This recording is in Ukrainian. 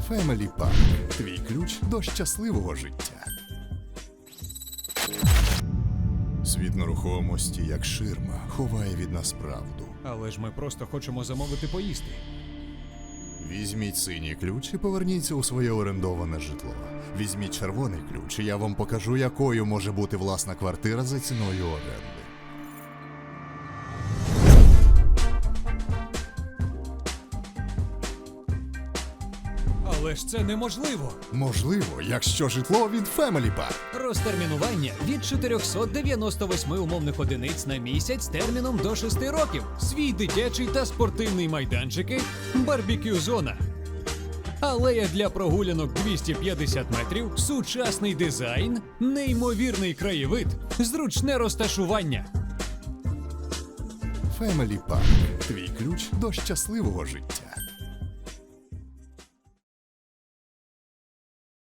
Family Park. Твій ключ до щасливого життя. Світ нерухомості, як ширма, ховає від нас правду. Але ж ми просто хочемо замовити поїсти. Візьміть синій ключ і поверніться у своє орендоване житло. Візьміть червоний ключ, і я вам покажу, якою може бути власна квартира за ціною оренди. Але ж це неможливо. Можливо, якщо житло від Family Park. Розтермінування від 498 умовних одиниць на місяць терміном до 6 років. Свій дитячий та спортивний майданчики, барбекю-зона. Алея для прогулянок 250 метрів, сучасний дизайн, неймовірний краєвид, зручне розташування. Family Park. Твій ключ до щасливого життя.